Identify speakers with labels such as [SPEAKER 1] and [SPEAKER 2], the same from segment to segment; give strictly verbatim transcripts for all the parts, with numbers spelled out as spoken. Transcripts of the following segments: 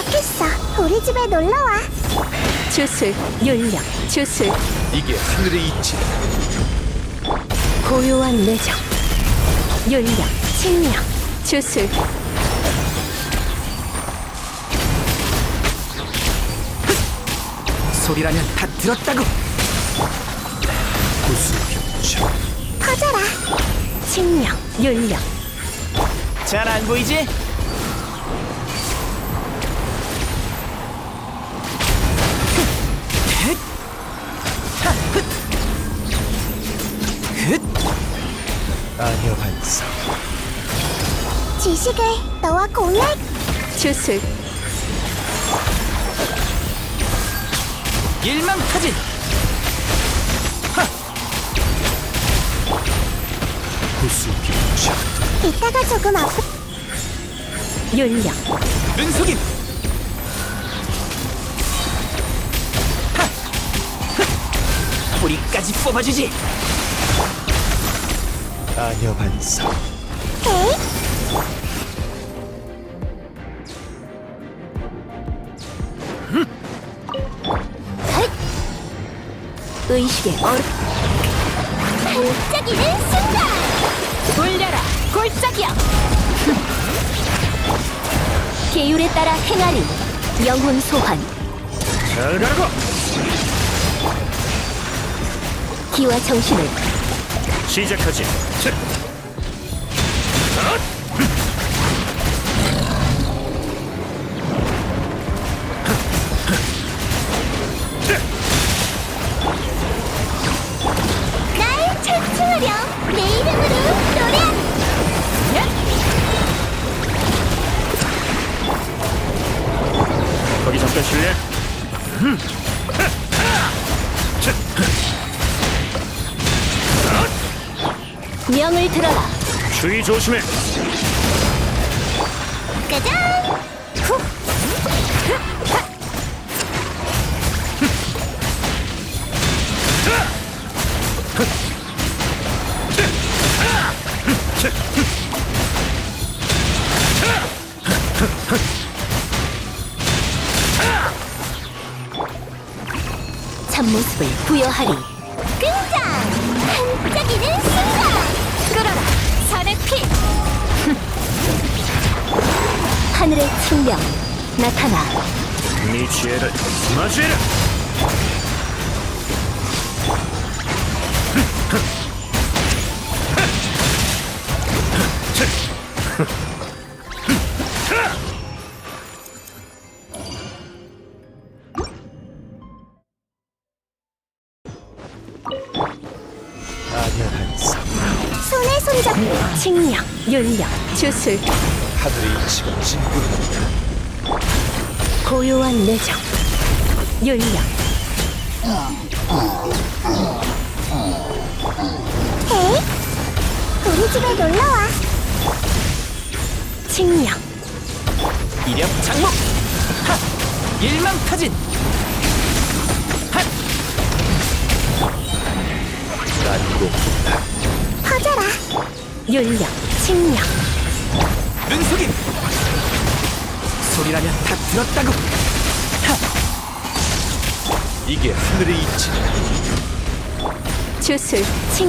[SPEAKER 1] 도착했어. 우리 집에 놀러와.
[SPEAKER 2] 주술, 윤력, 주술,
[SPEAKER 3] 이게 하늘의 이치다.
[SPEAKER 2] 고요한 내정, 윤력, 칭령, 주술,
[SPEAKER 3] 소리라면 다 들었다고. 구수병청.
[SPEAKER 1] 퍼져라.
[SPEAKER 2] 칭령, 윤력,
[SPEAKER 3] 잘 안 보이지? 아녀 반성.
[SPEAKER 1] 지식을 너와 공유할.
[SPEAKER 2] 주술,
[SPEAKER 3] 일망타진. 구수병청.
[SPEAKER 1] 이따가 조금 아프.
[SPEAKER 2] 윤력,
[SPEAKER 3] 눈속임. 뿌리까지 뽑아주지. 아녀 반성.
[SPEAKER 1] 에이,
[SPEAKER 2] 의식의 얼음,
[SPEAKER 1] 반짝이는 순간.
[SPEAKER 2] 올려라, 골짜기야! 계율에 따라 행하리, 영혼 소환,
[SPEAKER 3] 잘 가라고.
[SPEAKER 2] 기와 정신을
[SPEAKER 3] 시작하지.
[SPEAKER 1] 날 찬송하렴. 내 이름으로 노래하렴.
[SPEAKER 3] 거기 잠깐 실례.
[SPEAKER 2] 명을 들어라,
[SPEAKER 3] 주의 조심해.
[SPEAKER 1] 짜잔. 후.
[SPEAKER 2] 참모습을 부여하리,
[SPEAKER 1] 등장. 반짝이는 순간.
[SPEAKER 2] 끌어라, 산의 피! 하늘의 측량, 나타나,
[SPEAKER 3] 네 지혜를 맞이해라. 아녀 반성.
[SPEAKER 1] 손에 손잡고.
[SPEAKER 2] 칭령, 윤력, 주술,
[SPEAKER 3] 하늘의 이치가 진군한다.
[SPEAKER 2] 고요한 내정, 윤력,
[SPEAKER 1] 에이, 우리 집에 놀러와.
[SPEAKER 2] 칭령,
[SPEAKER 3] 이력 장목. 하! 일망타진. 핫! 난고
[SPEAKER 1] 퍼져라.
[SPEAKER 2] 윤력, 칭령,
[SPEAKER 3] 눈속임. 소리라면 다 들었다고. 하! 이게 하늘의 이치다.
[SPEAKER 2] 주술, 칭,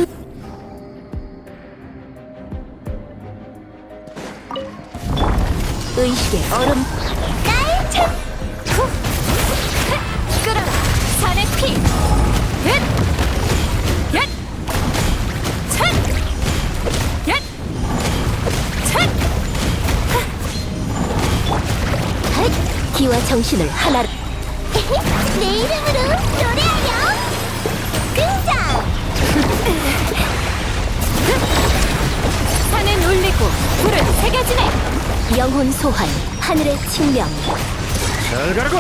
[SPEAKER 2] 의식의 얼음,
[SPEAKER 1] 날 찬. 후.
[SPEAKER 2] 끌어라, 산의 피! 얏! 얏! 얏! 얏! 얏! 얏! 기와 정신을 하나로
[SPEAKER 1] 내 이름으로 노래하렴. 등장.
[SPEAKER 2] 산은 울리고 불은 새겨지네, 영혼 소환, 하늘의 칭령,
[SPEAKER 3] 잘 가라고.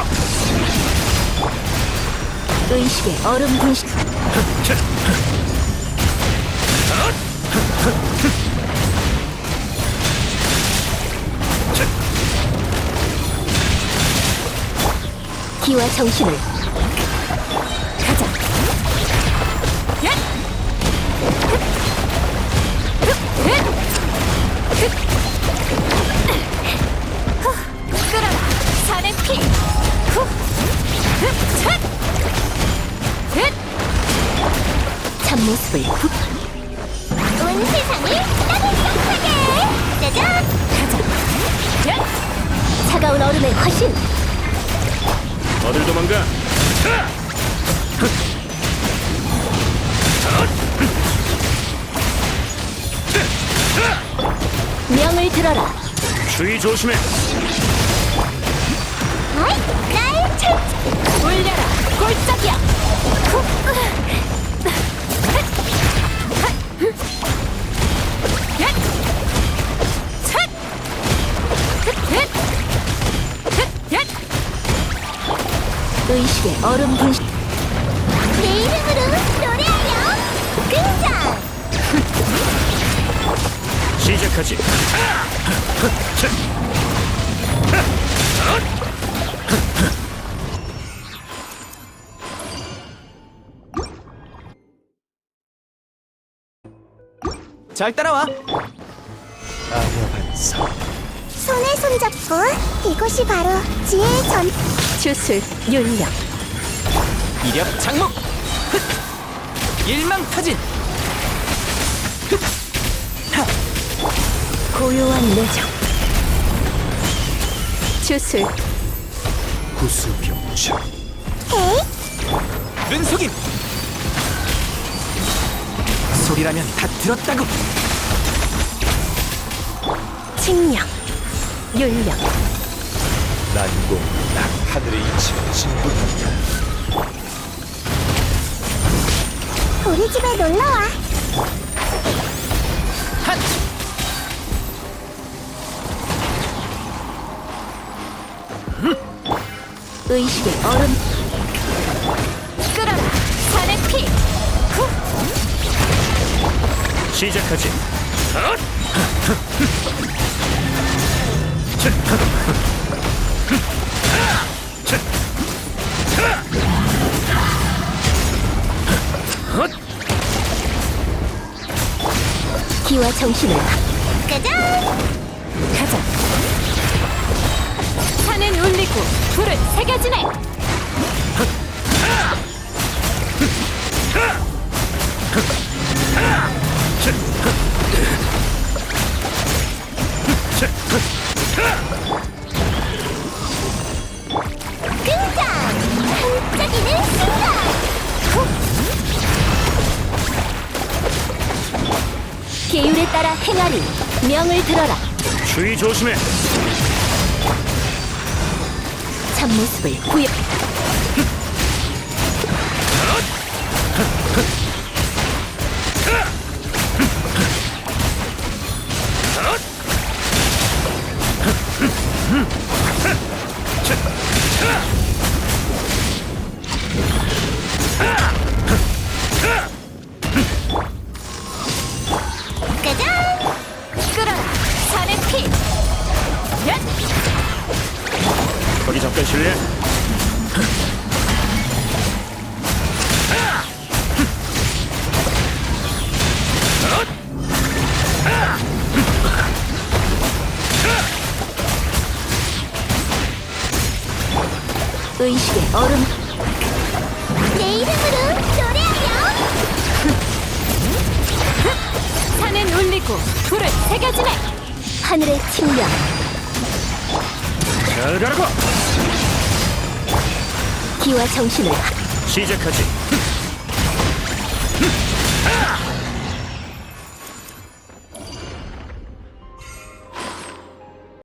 [SPEAKER 2] 의식의 얼음 분식, 기와 정신을 가자. 얏! 끌어라, 산의 피!
[SPEAKER 1] 온 세상을 따뜻하게. 짜잔.
[SPEAKER 2] 가자. 야! 차가운 얼음의 화신.
[SPEAKER 3] 어딜 도망가?
[SPEAKER 2] 명을 들어라.
[SPEAKER 3] 주의 조심해.
[SPEAKER 1] 아이, 나의 책.
[SPEAKER 2] 울려라. 골짜기야. 야! 차! 야! 의식의 얼음 분신.
[SPEAKER 1] 내 이름으로 노래하렴. 등장.
[SPEAKER 3] 시작하지. 잘 따라와. 아녀 반사.
[SPEAKER 1] 손에 손잡고 이곳이 바로 지혜의 전.
[SPEAKER 2] 주술 윤력.
[SPEAKER 3] 이력 장목. 일망타진.
[SPEAKER 2] 고요한 내정. 주술
[SPEAKER 3] 구수병청.
[SPEAKER 1] 에이,
[SPEAKER 3] 눈속임. 소리라면 다 들었다고.
[SPEAKER 2] 칭령. 윤력.
[SPEAKER 3] 난공 난 하늘의 이치가 진군한다.
[SPEAKER 1] 우리 집에 놀러와.
[SPEAKER 3] 한.
[SPEAKER 2] 의식의 얼음. 끓어라. 산의 피. 후.
[SPEAKER 3] 시작하지.
[SPEAKER 2] 기와 정신을.
[SPEAKER 1] 짜잔.
[SPEAKER 2] 가자. 산은 울리고 불은 새겨지네.
[SPEAKER 1] 등장. 반짝이는 순간.
[SPEAKER 2] 계율에 따라 행하리. 명을 들어라.
[SPEAKER 3] 주의 조심해.
[SPEAKER 2] 참모습을 구해.
[SPEAKER 1] 짜잔.
[SPEAKER 2] 끓어라. 산의 피. 야!
[SPEAKER 3] 거기 잠깐 실례.
[SPEAKER 2] 의식의 얼음.
[SPEAKER 1] 내 이름으로 노래하렴.
[SPEAKER 2] 산은 울리고 불은 새겨지네. 하늘의 칭령.
[SPEAKER 3] 잘 가라고.
[SPEAKER 2] 기와 정신을.
[SPEAKER 3] 시작하지.